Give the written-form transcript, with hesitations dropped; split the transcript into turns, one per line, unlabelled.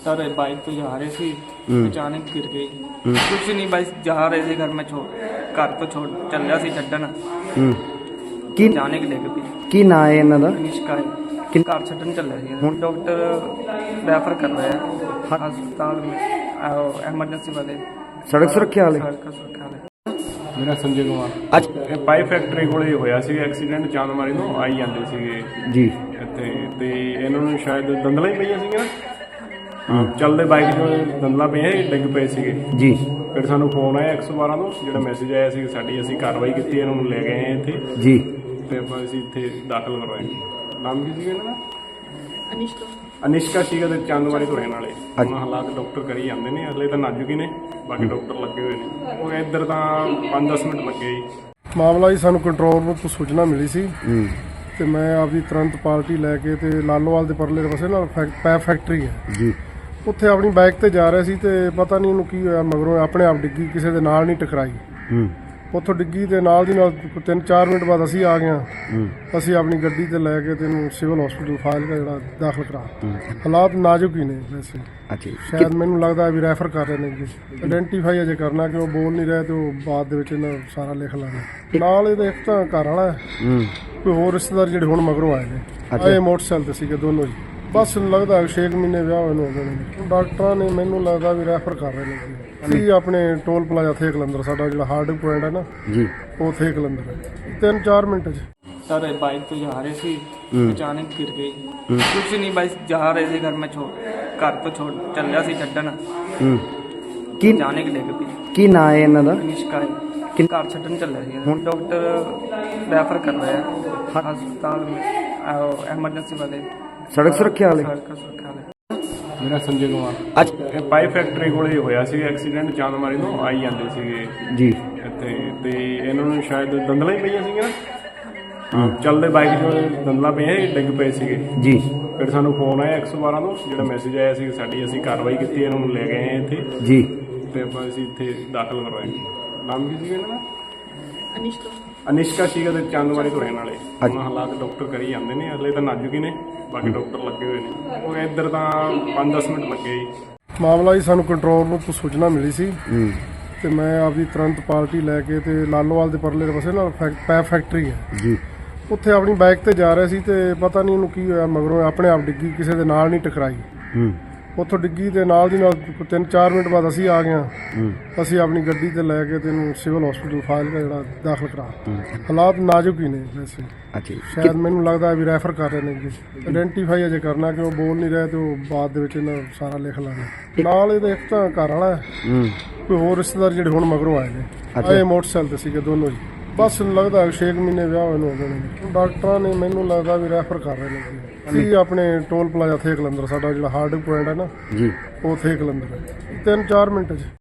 Sir bike पे जा रहे थे, अचानक गिर गई। कुछ नहीं, बस जा रहे थे घर में, घर तो छोड़ चल रहा सी छड्डन,
ਕੀ
अचानक डिग पई।
ਕੀ ਨਾਂ ਹੈ ਇਹਨਾਂ ਦਾ?
निष्का है, घर छड्डन चल रहे थे। डॉक्टर रेफर कर रहे हैं अस्पताल में, एमरजेंसी वाले,
ਸੜਕ ਸੁਰੱਖਿਆ ਵਾਲੇ।
सड़क सुरक्षा वाले।
ਮੇਰਾ ਸੰਜੇ ਕੁਮਾਰ।
ਅੱਜ
ਇਹ ਪਾਈਪ ਫੈਕਟਰੀ ਕੋਲੇ ਹੋਇਆ ਸੀ ਐਕਸੀਡੈਂਟ, ਚਾਂਦਮਾਰੀ ਤੋਂ ਆਈ ਜਾਂਦੇ ਸੀਗੇ
ਜੀ
ਇੱਥੇ, ਤੇ ਇਹਨਾਂ ਨੂੰ ਸ਼ਾਇਦ ਦੰਦਲਾਂ ਹੀ ਪਈਆਂ ਸੀਗੀਆਂ ਨਾ, ਚੱਲਦੇ ਬਾਈਕ 'ਚ ਦੰਦਲਾਂ ਪਈਆਂ ਸੀ, ਡਿੱਗ ਪਏ ਸੀਗੇ।
ਜੀ
ਫਿਰ ਸਾਨੂੰ ਫੋਨ ਆਇਆ 112 ਤੋਂ, ਜਿਹੜਾ ਮੈਸੇਜ ਆਇਆ ਸੀ ਸਾਡੀ, ਅਸੀਂ ਕਾਰਵਾਈ ਕੀਤੀ, ਇਹਨਾਂ ਨੂੰ ਲੈ ਗਏ ਹਾਂ ਇੱਥੇ,
ਜੀ
ਤੇ ਆਪਾਂ ਅਸੀਂ ਇੱਥੇ ਦਾਖਲ ਕਰਵਾਏ। ਨਾਮ ਕੀ ਸੀਗਾ ਇਹਨਾਂ ਦਾ? ਅਨਿਸ਼ਕਾ ਸੀਗਾ, ਤੇ ਚਾਂਦਮਾਰੀ ਤੋਂ ਰਹਿਣ ਵਾਲੇ। ਹੁਣ ਹਾਲਾਤ ਡਾਕਟਰ ਕਰੀ ਜਾਂਦੇ ਨੇ, ਅਗਲੇ ਤਾਂ ਨਾਜ਼ੁਕ ਹੀ ਨੇ, ਬਾਕੀ ਡਾਕਟਰ ਲੱਗੇ ਹੋਏ ਨੇ। ਉਹ ਇੱਧਰ ਤਾਂ 5-10 ਮਿੰਟ ਲੱਗੇ ਜੀ।
ਮਾਮਲਾ ਜੀ ਸਾਨੂੰ ਕੰਟਰੋਲ ਰੂਮ ਤੋਂ ਸੂਚਨਾ ਮਿਲੀ ਸੀ ਤੇ ਮੈਂ ਆਪਦੀ ਤੁਰੰਤ ਪਾਰਟੀ ਲੈ ਕੇ ਤੇ ਲਾਲੋਵਾਲ ਦੇ ਪਰਲੇ ਪਾਸੇ ਨਾਲ ਪੈਪ ਫੈਕਟਰੀ ਹੈ
ਜੀ
ਉੱਥੇ ਆਪਣੀ ਬਾਈਕ ਤੇ ਜਾ ਰਹੇ ਸੀ ਤੇ ਪਤਾ ਨਹੀਂ ਉਹਨੂੰ ਕੀ ਹੋਇਆ, ਮਗਰੋਂ ਆਪਣੇ ਆਪ ਡਿੱਗੀ, ਕਿਸੇ ਦੇ ਨਾਲ ਨਹੀਂ ਟਕਰਾਈ। ਉੱਥੋਂ ਡਿੱਗੀ ਤੇ ਨਾਲ ਦੀ ਨਾਲ 3-4 ਮਿੰਟ ਬਾਅਦ ਅਸੀਂ ਆ ਗਏ। ਅਸੀਂ ਆਪਣੀ ਗੱਡੀ ਤੇ ਲੈ ਕੇ ਤੈਨੂੰ ਸਿਵਲ ਹਸਪੀਟਲ ਫਾਜ਼ਿਲਕਾ ਜਿਹੜਾ ਦਾਖਲ ਕਰਾ। ਹਾਲਾਤ ਨਾਜ਼ੁਕ ਹੀ ਨੇ ਵੈਸੇ,
ਅੱਛਾ ਜੀ।
ਸ਼ਾਇਦ ਮੈਨੂੰ ਲੱਗਦਾ ਵੀ ਰੈਫਰ ਕਰ ਰਹੇ ਨੇ ਜੀ। ਆਇਡੈਂਟੀਫਾਈ ਅਜੇ ਕਰਨਾ ਕਿ ਉਹ ਬੋਲ ਨਹੀਂ ਰਹੇ ਤੇ ਉਹ ਬਾਅਦ ਦੇ ਵਿੱਚ ਇਹਨਾਂ ਸਾਰਾ ਲਿਖ ਲਾਂਗੇ। ਨਾਲ ਇਹਦਾ ਇੱਕ ਤਾਂ ਘਰ ਵਾਲਾ ਹੈ, ਕੋਈ ਹੋਰ ਰਿਸ਼ਤੇਦਾਰ ਜਿਹੜੇ ਹੁਣ ਮਗਰੋਂ ਆਏ ਨੇ। ਇਹ ਮੋਟਰਸਾਈਕਲ ਤੇ ਸੀਗੇ ਦੋਨੋਂ ਜੀ। ਬਸ ਲੱਗਦਾ 6 ਮਹੀਨੇ ਵਿਆਹ ਹੋਏ ਨੂੰ ਹੋ ਗਏ ਨੇ। ਡਾਕਟਰਾਂ ਨੇ ਮੈਨੂੰ ਲੱਗਦਾ ਵੀ ਰੈਫਰ ਕਰ ਰਹੇ ਨੇ ਜੀ। ਅਸੀਂ ਆਪਣੇ ਟੋਲ ਪਲਾਜ਼ਾ ਥੇ ਕਲੰਦਰ, ਸਾਡਾ ਜਿਹੜਾ ਹਾਰਡ ਪੁਆਇੰਟ ਹੈ ਨਾ
ਜੀ,
ਉਹ ਥੇ ਕਲੰਦਰ ਹੈ। 3-4 ਮਿੰਟ 'ਚ
सर बाइक पे जा रहे थे, अचानक गिर गई। कुछ नहीं, बस जा रहे थे घर में, घर तो छोड़ चल रहा सी छड्डन,
ਕੀ
अचानक डिग पई।
ਕੀ ਨਾਂ ਹੈ ਇਹਨਾਂ ਦਾ?
निष्का है, घर छड्डन चल रहे थे। डॉक्टर रेफर कर रहे हैं अस्पताल में, एमरजेंसी वाले,
ਸੜਕ ਸੁਰੱਖਿਆ ਵਾਲੇ।
सड़क सुरक्षा वाले।
ਮੇਰਾ ਸੰਜੇ ਕੁਮਾਰ।
ਅੱਜ
ਇਹ ਪਾਈਪ ਫੈਕਟਰੀ ਕੋਲੇ ਹੋਇਆ ਸੀ ਐਕਸੀਡੈਂਟ, ਚਾਂਦਮਾਰੀ ਤੋਂ ਆਈ ਜਾਂਦੇ ਸੀਗੇ
ਜੀ
ਇੱਥੇ, ਤੇ ਇਹਨਾਂ ਨੂੰ ਸ਼ਾਇਦ ਦੰਦਲਾਂ ਹੀ ਪਈਆਂ ਸੀਗੀਆਂ ਨਾ, ਚੱਲਦੇ ਬਾਈਕ 'ਚ ਦੰਦਲਾਂ ਪਈਆਂ ਸੀ, ਡਿੱਗ ਪਏ ਸੀਗੇ।
ਜੀ
ਫਿਰ ਸਾਨੂੰ ਫੋਨ ਆਇਆ 112 ਤੋਂ, ਜਿਹੜਾ ਮੈਸੇਜ ਆਇਆ ਸੀ ਸਾਡੀ, ਅਸੀਂ ਕਾਰਵਾਈ ਕੀਤੀ, ਇਹਨਾਂ ਨੂੰ ਲੈ ਗਏ ਹਾਂ ਇੱਥੇ,
ਜੀ
ਤੇ ਆਪਾਂ ਅਸੀਂ ਇੱਥੇ ਦਾਖਲ ਕਰਵਾਏ। ਨਾਮ ਕੀ ਸੀਗਾ ਇਹਨਾਂ ਦਾ? ਅਨਿਸ਼ਕਾ ਸੀਗਾ, ਤੇ ਚਾਂਦਮਾਰੀ ਤੋਂ ਰਹਿਣ ਵਾਲੇ। ਹੁਣ ਹਾਲਾਤ ਡਾਕਟਰ ਕਰੀ ਜਾਂਦੇ ਨੇ, ਅਗਲੇ ਤਾਂ ਨਾਜ਼ੁਕ ਹੀ ਨੇ, ਬਾਕੀ ਡਾਕਟਰ ਲੱਗੇ ਹੋਏ ਨੇ। ਉਹ ਇੱਧਰ ਤਾਂ 5-10 ਮਿੰਟ ਲੱਗੇ ਜੀ।
ਮਾਮਲਾ ਜੀ ਸਾਨੂੰ ਕੰਟਰੋਲ ਰੂਮ ਤੋਂ ਸੂਚਨਾ ਮਿਲੀ ਸੀ ਤੇ ਮੈਂ ਆਪਦੀ ਤੁਰੰਤ ਪਾਰਟੀ ਲੈ ਕੇ ਤੇ ਲਾਲੋਵਾਲ ਦੇ ਪਰਲੇ ਪਾਸੇ ਨਾਲ ਪੈਪ ਫੈਕਟਰੀ ਹੈ
ਜੀ,
ਉੱਥੇ ਆਪਣੀ ਬਾਈਕ ਤੇ ਜਾ ਰਹੇ ਸੀ ਤੇ ਪਤਾ ਨਹੀਂ ਉਹਨੂੰ ਕੀ ਹੋਇਆ, ਮਗਰੋਂ ਆਪਣੇ ਆਪ ਡਿੱਗੀ, ਕਿਸੇ ਦੇ ਨਾਲ ਨਹੀਂ ਟਕਰਾਈ। ਉੱਥੋਂ ਡਿੱਗੀ ਤੇ ਨਾਲ ਦੀ ਨਾਲ 3-4 ਮਿੰਟ ਬਾਅਦ ਅਸੀਂ ਆ ਗਏ। ਅਸੀਂ ਆਪਣੀ ਗੱਡੀ ਤੇ ਲੈ ਕੇ ਤੈਨੂੰ ਸਿਵਲ ਹਸਪੀਟਲ ਫਾਜ਼ਿਲਕਾ ਜਿਹੜਾ ਦਾਖਲ ਕਰਾ। ਹਾਲਾਤ ਨਾਜ਼ੁਕ ਹੀ ਨੇ ਵੈਸੇ,
ਅੱਛਾ ਜੀ।
ਸ਼ਾਇਦ ਮੈਨੂੰ ਲੱਗਦਾ ਵੀ ਰੈਫਰ ਕਰ ਰਹੇ ਨੇ ਜੀ। ਆਇਡੈਂਟੀਫਾਈ ਅਜੇ ਕਰਨਾ ਕਿ ਉਹ ਬੋਲ ਨਹੀਂ ਰਹੇ ਤੇ ਉਹ ਬਾਅਦ ਦੇ ਵਿੱਚ ਇਹਨਾਂ ਸਾਰਾ ਲਿਖ ਲਾਂਗੇ। ਨਾਲ ਇਹਦਾ ਇੱਕ ਤਾਂ ਘਰ ਵਾਲਾ ਹੈ, ਕੋਈ ਹੋਰ ਰਿਸ਼ਤੇਦਾਰ ਜਿਹੜੇ ਹੁਣ ਮਗਰੋਂ ਆਏ ਨੇ। ਇਹ ਮੋਟਰਸਾਈਕਲ ਤੇ ਸੀਗੇ ਦੋਨੋਂ ਜੀ। ਬਸ ਲੱਗਦਾ 6 ਮਹੀਨੇ ਵਿਆਹ ਹੋਏ ਨੂੰ ਹੋ ਗਏ ਨੇ। ਡਾਕਟਰਾਂ ਨੇ ਮੈਨੂੰ ਲੱਗਦਾ ਵੀ ਰੈਫਰ ਕਰ ਰਹੇ ਨੇ ਜੀ। ਅਸੀਂ ਆਪਣੇ ਟੋਲ ਪਲਾਜ਼ਾ ਥੇ ਕਲੰਦਰ, ਸਾਡਾ ਜਿਹੜਾ ਹਾਰਡ ਪੁਆਇੰਟ ਹੈ ਨਾ
ਜੀ,
ਉਹ ਥੇ ਕਲੰਦਰ ਹੈ। 3-4 ਮਿੰਟ 'ਚ